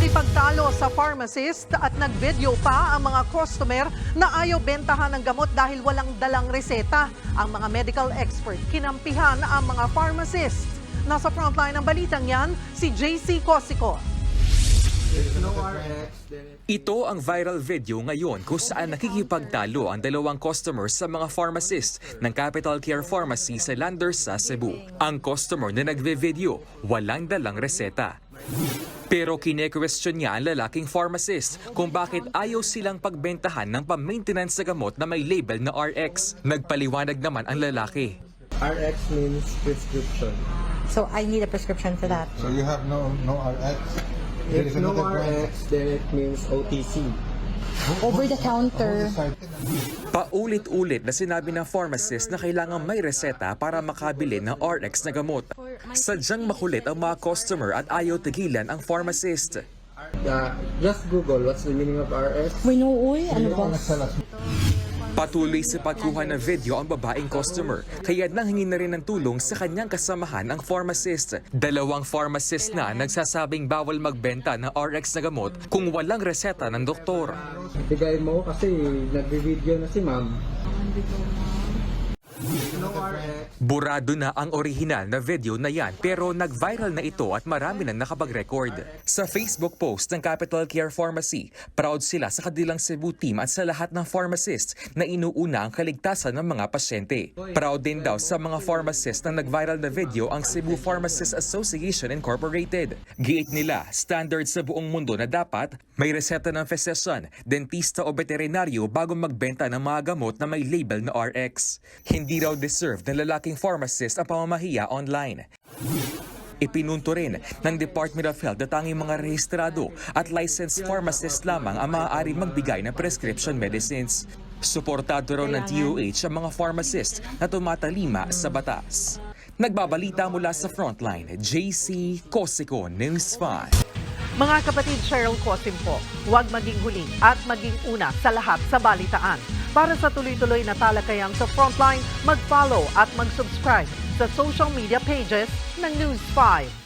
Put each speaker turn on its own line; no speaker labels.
Nakipagtalo sa pharmacist at nagvideo pa ang mga customer na ayaw bentahan ng gamot dahil walang dalang reseta. Ang mga medical expert kinampihan ang mga pharmacist. Nasa frontline ng balitang yan, si JC Cosico.
Ito ang viral video ngayon kung saan nakikipagtalo ang dalawang customers sa mga pharmacist ng Capital Care Pharmacy sa Landers sa Cebu. Ang customer na nagve-video, walang dalang reseta. Pero kine-question niya ang lalaking pharmacist kung bakit ayaw silang pagbentahan ng pang-maintenance sa gamot na may label na RX. Nagpaliwanag naman ang lalaki.
RX means prescription.
So I need a prescription for that.
So you have no RX? There
If
is
no
another brand.
RX, then it means OTC.
Over the counter.
Paulit-ulit na sinabi ng pharmacist na kailangan may reseta para makabili ng RX na gamot. Sadyang makulit ang mga customer at ayaw tigilan ang pharmacist.
Just Google what's the meaning of RX.
We know, uy, ano ba?
Patuloy sa pagkuha ng video ang babaeng customer, kaya nanghingi na rin ng tulong sa kanyang kasamahan ang pharmacist. Dalawang pharmacist na nagsasabing bawal magbenta ng RX na gamot kung walang reseta ng doktor.
Bigay mo kasi nagbe-video na si ma'am.
Burado na ang orihinal na video na yan pero nag-viral na ito at marami nang nakapag-record. Sa Facebook post ng Capital Care Pharmacy, proud sila sa kanilang Cebu team at sa lahat ng pharmacists na inuuna ang kaligtasan ng mga pasyente. Proud din daw sa mga pharmacists na nag-viral na video ang Cebu Pharmacists Association Incorporated. Giit nila, standard sa buong mundo na dapat may reseta ng physician, dentista o veterinaryo bago magbenta ng mga gamot na may label na RX. Hindi raw deserve ng lalaking pharmacist ang pamamahiya online. Ipinunto rin ng Department of Health na tanging mga rehistrado at licensed pharmacist lamang ang maaari magbigay ng prescription medicines. Suportado raw ng DOH ang mga pharmacist na tumatalima sa batas. Nagbabalita mula sa Frontline, JC Cosico, News 5.
Mga kapatid, Cheryl Cosim po, huwag maging huli at maging una sa lahat sa balitaan. Para sa tuloy-tuloy na talakayang sa Frontline, mag-follow at mag-subscribe sa social media pages ng News 5.